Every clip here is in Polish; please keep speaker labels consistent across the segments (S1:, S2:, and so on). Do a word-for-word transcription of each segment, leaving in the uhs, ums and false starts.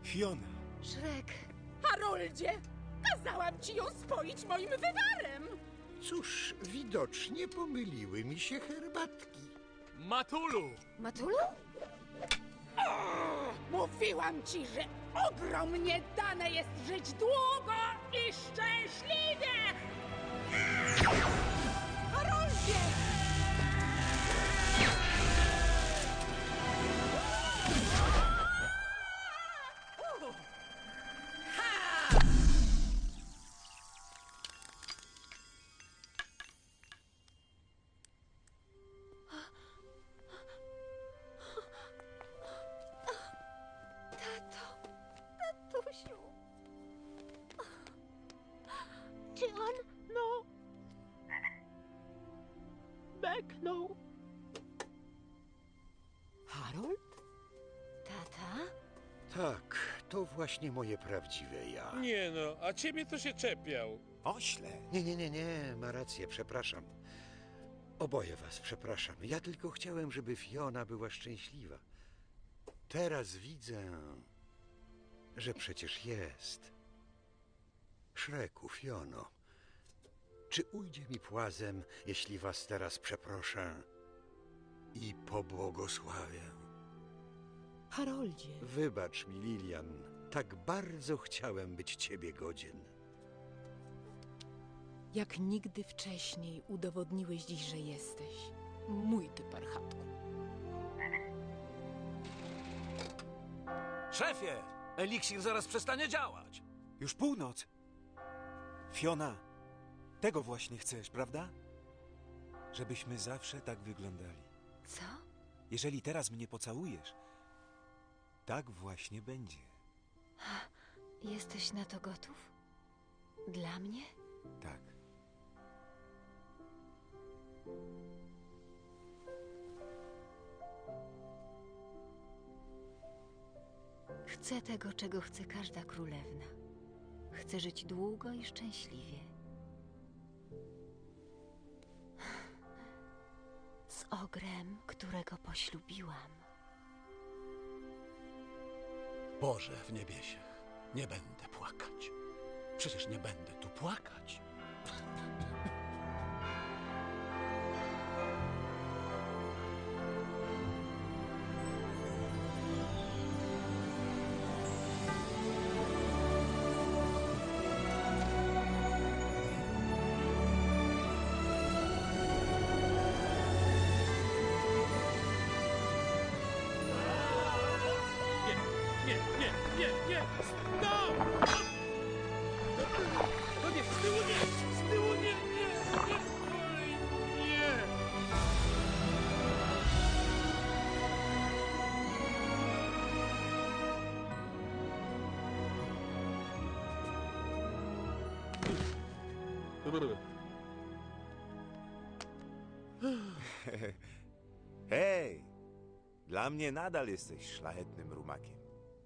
S1: Fiona.
S2: Szrek.
S3: Haroldzie! Kazałam ci ją spoić moim wywarem!
S4: Cóż, widocznie pomyliły mi się herbatki.
S1: Matulu!
S2: Matulu?
S3: O, mówiłam ci, że ogromnie dane jest żyć długo i szczęśliwie! Haroldzie!
S2: Tato. Tatusiu. Czy on?
S5: No. Beknął.
S3: Harold?
S2: Tata?
S4: Tak, to właśnie moje prawdziwe ja.
S6: Nie no, a ciebie to się czepiał.
S1: Ośle.
S4: Nie, nie, nie, nie, ma rację, przepraszam. Oboje was przepraszam. Ja tylko chciałem, żeby Fiona była szczęśliwa. Teraz widzę, że przecież jest. Szreku, Fiono, czy ujdzie mi płazem, jeśli was teraz przeproszę i pobłogosławię?
S3: Haroldzie.
S4: Wybacz mi, Lilian, tak bardzo chciałem być ciebie godzien.
S3: Jak nigdy wcześniej udowodniłeś dziś, że jesteś. Mój ty parchatku.
S7: Szefie! Eliksir zaraz przestanie działać.
S1: Już północ. Fiona, tego właśnie chcesz, prawda? Żebyśmy zawsze tak wyglądali.
S2: Co?
S1: Jeżeli teraz mnie pocałujesz, tak właśnie będzie.
S2: Jesteś na to gotów? Dla mnie?
S1: Tak.
S2: Chcę tego, czego chce każda królewna. Chcę żyć długo i szczęśliwie. Z ogrem, którego poślubiłam.
S7: Boże w niebiesie, nie będę płakać. Przecież nie będę tu płakać.
S6: Nie, nie, nie, nie! Stop! No nie, z tyłu nie! Z tyłu nie, nie, nie! Oj, nie!
S8: Hej! Dla mnie nadal jesteś szlachetnym rumakiem.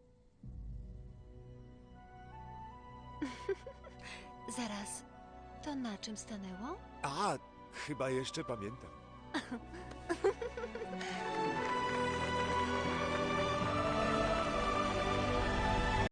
S2: Zaraz, to na czym stanęło?
S8: A, chyba jeszcze pamiętam.